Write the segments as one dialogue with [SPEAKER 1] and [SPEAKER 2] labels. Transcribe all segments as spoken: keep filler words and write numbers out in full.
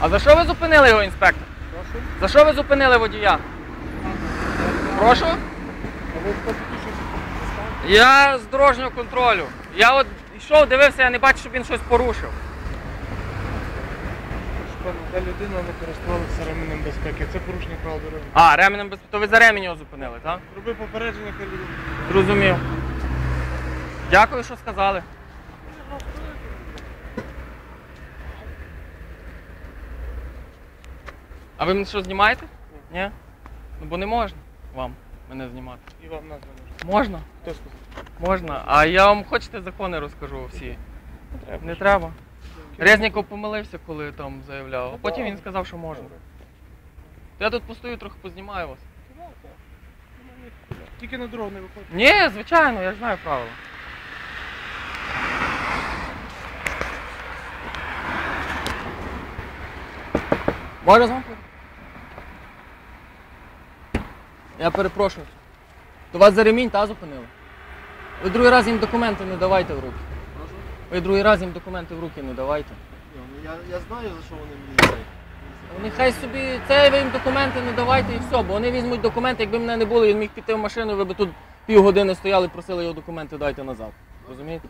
[SPEAKER 1] А за що ви зупинили його, інспектор?
[SPEAKER 2] Прошу?
[SPEAKER 1] За що ви зупинили водія? Прошу?
[SPEAKER 2] А ви хто такі, що це?
[SPEAKER 1] Я з дорожнього контролю. Я от йшов, дивився, я не бачу, щоб він щось порушив.
[SPEAKER 2] Пане, та людина не користувалася ременем безпеки. Це порушення правил дороги.
[SPEAKER 1] А, ременем безпеки. То ви за ремінь його зупинили, так?
[SPEAKER 2] Роби попередження, хай людина.
[SPEAKER 1] Зрозумів. Дякую, що сказали. А ви мене що, знімаєте? Ні? Ні? Ну бо не можна вам мене знімати.
[SPEAKER 2] І вам нас не можна.
[SPEAKER 1] Можна?
[SPEAKER 2] Хто сказав?
[SPEAKER 1] Можна. А я вам хочете закони розкажу всі?
[SPEAKER 2] Не треба.
[SPEAKER 1] Не треба. Резніков помилився, коли там заявляв, а потім він сказав, що можна. То я тут постою, трохи познімаю вас.
[SPEAKER 2] Тільки на дорогу не виходить.
[SPEAKER 1] Ні, звичайно, я ж знаю правила. Можна з вами? Я перепрошую. То вас за ремінь, та, зупинили? Ви другий раз їм документи не давайте в руки.
[SPEAKER 3] Прошу?
[SPEAKER 1] Ви другий раз їм документи в руки не давайте.
[SPEAKER 3] Ні, ну я, я знаю, за що вони мені дають.
[SPEAKER 1] Нехай собі, це ви їм документи не давайте і все, бо вони візьмуть документи, якби мене не було, він міг піти в машину, ви б тут півгодини стояли і просили його документи дайте назад. Розумієте?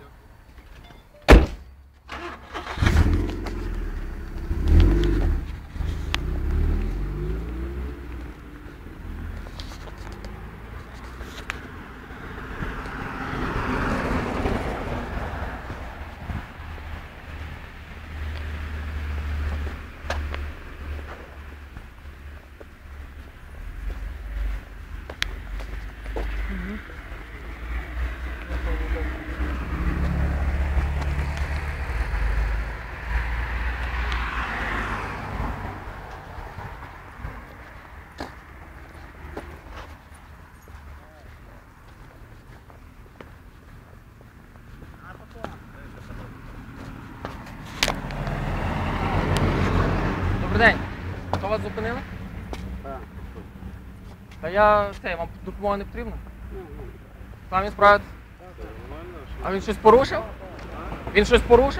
[SPEAKER 1] Добрий день. Хто вас зупинили?
[SPEAKER 3] Так.
[SPEAKER 1] Та я, це, вам допомога не потрібна? Самі справитесь? А він щось порушив? Він щось порушив?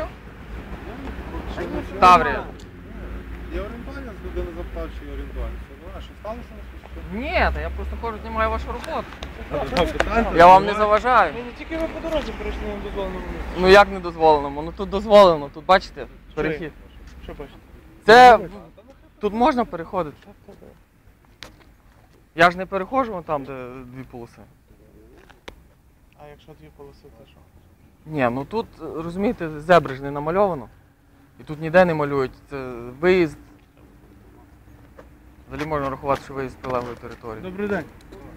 [SPEAKER 1] Таврія.
[SPEAKER 3] Я орієнтування з людини запитав, чи орієнтування. А що сталося?
[SPEAKER 1] Ні, та я просто ходжу, знімаю вашу роботу.
[SPEAKER 3] Питання?
[SPEAKER 1] Я вам не заважаю.
[SPEAKER 2] Ні, ні, тільки ви по дорозі перейшли на дозволеному місці.
[SPEAKER 1] Ну як не дозволено? Ну тут дозволено, тут бачите, перехід.
[SPEAKER 2] Що бачите?
[SPEAKER 1] Це, тут можна переходити. Я ж не переходжу вон там, де дві полоси.
[SPEAKER 2] А якщо дві полоси, то що?
[SPEAKER 1] Ні, ну тут, розумієте, зебри ж не намальовано. І тут ніде не малюють. Це виїзд. Взагалі можна рахувати, що виїзд з прилеглої території.
[SPEAKER 2] Добрий день.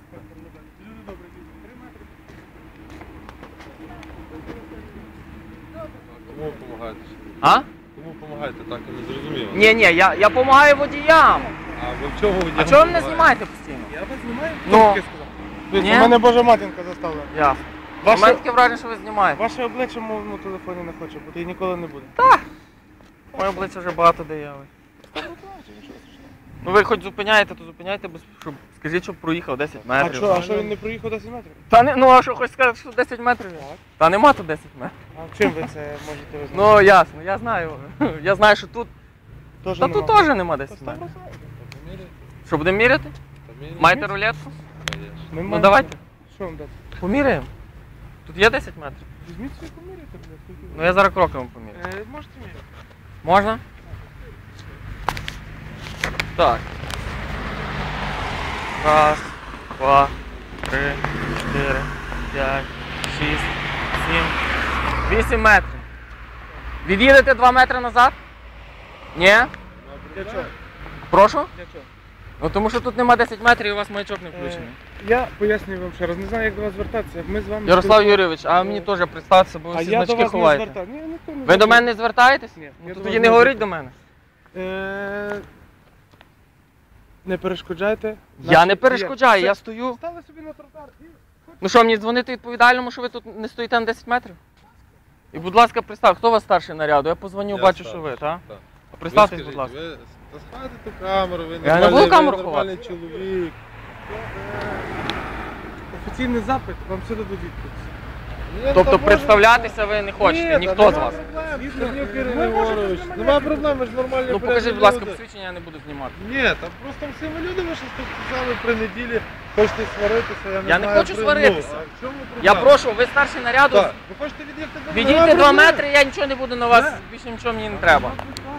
[SPEAKER 3] Кому ви допомагаєте?
[SPEAKER 1] А?
[SPEAKER 3] Кому допомагаєте? Так, я не зрозуміло.
[SPEAKER 1] Ні, ні, я, я допомагаю водіям.
[SPEAKER 3] А ви в чого водіям
[SPEAKER 1] А чого ви мене
[SPEAKER 3] допомагаєте?
[SPEAKER 1] знімаєте постійно?
[SPEAKER 2] Я вас знімаю?
[SPEAKER 1] Ну.
[SPEAKER 2] Хто таке сказав? Дивіться,
[SPEAKER 1] Ні?
[SPEAKER 2] у мене Божа матінка заставила.
[SPEAKER 1] Ясно. У
[SPEAKER 2] Ваше,
[SPEAKER 1] мене таке враження, що ви знімаєте.
[SPEAKER 2] ваше обличчя в моєму телефоні не хоче бути і ніколи не буде.
[SPEAKER 1] Моє обличчя вже багато де є. Ну ви хоч зупиняєте, то зупиняйте, без, щоб, скажіть, щоб проїхав десять
[SPEAKER 2] А
[SPEAKER 1] метрів.
[SPEAKER 2] що, а що він не проїхав десять метрів?
[SPEAKER 1] Та не, ну а що, хоч сказати, що десять метрів? Та нема тут десять метрів.
[SPEAKER 2] А чим ви це можете визнати?
[SPEAKER 1] Ну ясно, я знаю. Я знаю, що тут.
[SPEAKER 2] Тож
[SPEAKER 1] Та тут теж нема десять
[SPEAKER 2] Та
[SPEAKER 1] метрів.
[SPEAKER 2] сто процентів.
[SPEAKER 1] Що, будемо міряти?
[SPEAKER 3] Поміряйте?
[SPEAKER 1] Маєте рулетку?
[SPEAKER 2] Ми
[SPEAKER 1] Ну
[SPEAKER 2] маємо-
[SPEAKER 1] давайте.
[SPEAKER 2] Що вам дати?
[SPEAKER 1] Поміряємо. Тут є десять метрів.
[SPEAKER 2] Візьміть собі поміряйте, блядь. скільки ви-
[SPEAKER 1] Ну я зараз кроком поміряю.
[SPEAKER 2] Е, Можете міряти.
[SPEAKER 1] Можна? Так. Раз, два, три, чотири, п'ять, шість, сім, вісім метрів. Від'їдете два метри назад? Ні?
[SPEAKER 2] Для чого?
[SPEAKER 1] Прошу?
[SPEAKER 2] Для чого?
[SPEAKER 1] Ну тому що тут нема десять метрів і у вас маячок не включений.
[SPEAKER 2] Е, Я пояснюю вам ще раз, не знаю, як до вас звертатися. Ми з вами...
[SPEAKER 1] Ярослав Юрійович, а мені теж представся, бо ви
[SPEAKER 2] А
[SPEAKER 1] всі
[SPEAKER 2] я до
[SPEAKER 1] значки
[SPEAKER 2] вас не
[SPEAKER 1] ховаєте.
[SPEAKER 2] звертаюся. Ні, ніхто не
[SPEAKER 1] Ви до мене не звертаєтесь?
[SPEAKER 2] Ні,
[SPEAKER 1] Ну,
[SPEAKER 2] я
[SPEAKER 1] то
[SPEAKER 2] до
[SPEAKER 1] тоді
[SPEAKER 2] вас
[SPEAKER 1] не
[SPEAKER 2] не
[SPEAKER 1] говоріть до мене.
[SPEAKER 2] Е, Не перешкоджайте.
[SPEAKER 1] Я
[SPEAKER 2] нашій
[SPEAKER 1] не перешкоджаю,
[SPEAKER 2] діяльності.
[SPEAKER 1] я стою.
[SPEAKER 2] Стали собі на тротуар і...
[SPEAKER 1] Ну що, мені дзвонити відповідальному, що ви тут не стоїте на десять метрів? І, будь ласка, представ, хто у вас старший наряду? Я позвоню,
[SPEAKER 3] Я
[SPEAKER 1] бачу,
[SPEAKER 3] старший,
[SPEAKER 1] що ви, так?
[SPEAKER 3] так.
[SPEAKER 1] Представтесь,
[SPEAKER 3] Ви
[SPEAKER 1] будь
[SPEAKER 3] скажіть,
[SPEAKER 1] ласка.
[SPEAKER 3] Ви сховайте ту камеру, ви
[SPEAKER 1] Я не
[SPEAKER 3] нормальний,
[SPEAKER 1] буду
[SPEAKER 3] ви
[SPEAKER 1] камеру
[SPEAKER 3] нормальний чоловік.
[SPEAKER 2] Офіційний запит, вам все дадуть відповідь. Ні,
[SPEAKER 1] Тобто
[SPEAKER 2] та може-
[SPEAKER 1] представлятися ви не хочете,
[SPEAKER 2] Ні,
[SPEAKER 1] ніхто
[SPEAKER 2] та
[SPEAKER 1] з вас.
[SPEAKER 2] нема проблем, Чернюк
[SPEAKER 3] Ми
[SPEAKER 2] Ірина
[SPEAKER 3] можемо
[SPEAKER 2] Ігорович.
[SPEAKER 3] знімати.
[SPEAKER 2] Нема проблем, ми ж нормальні
[SPEAKER 1] Ну покажіть,
[SPEAKER 2] порядні
[SPEAKER 1] будь ласка,
[SPEAKER 2] люди.
[SPEAKER 1] посвідчення, я не буду знімати.
[SPEAKER 2] Ні, та просто всі ви люди, ви щось тут сказали при неділі, хочете сваритися, я не
[SPEAKER 1] Я не
[SPEAKER 2] знаю.
[SPEAKER 1] хочу
[SPEAKER 2] при-
[SPEAKER 1] сваритися.
[SPEAKER 2] Ну, а в чому проблема?
[SPEAKER 1] Я прошу, ви старший наряду,
[SPEAKER 2] Так, ви хочете від'їхати до мене?
[SPEAKER 1] відійдіть
[SPEAKER 2] Нема
[SPEAKER 1] два
[SPEAKER 2] проблем.
[SPEAKER 1] метри, я нічого не буду на вас,
[SPEAKER 2] Не.
[SPEAKER 1] більше нічого мені не треба.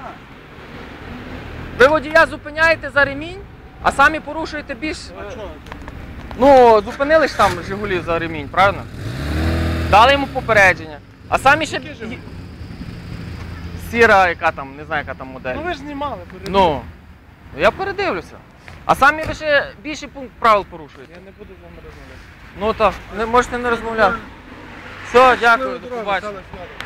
[SPEAKER 1] Ви водія зупиняєте за ремінь, а самі порушуєте більш.
[SPEAKER 3] А чого?
[SPEAKER 1] Ну, зупинили ж там Жигулі за ремінь, правильно? Дали йому попередження. А самі ще.
[SPEAKER 2] Який Жигуль?
[SPEAKER 1] Сіра, яка там, не знаю, яка там модель.
[SPEAKER 2] Ну ви ж знімали, передивіться.
[SPEAKER 1] Ну, я передивлюся. А самі ви ще більший пункт правил порушуєте.
[SPEAKER 2] Я не буду з вами розмовляти.
[SPEAKER 1] Ну так, не можете не розмовляти. Все, дякую, до
[SPEAKER 2] Щасливої дороги,
[SPEAKER 1] побачення.
[SPEAKER 2] Олександр.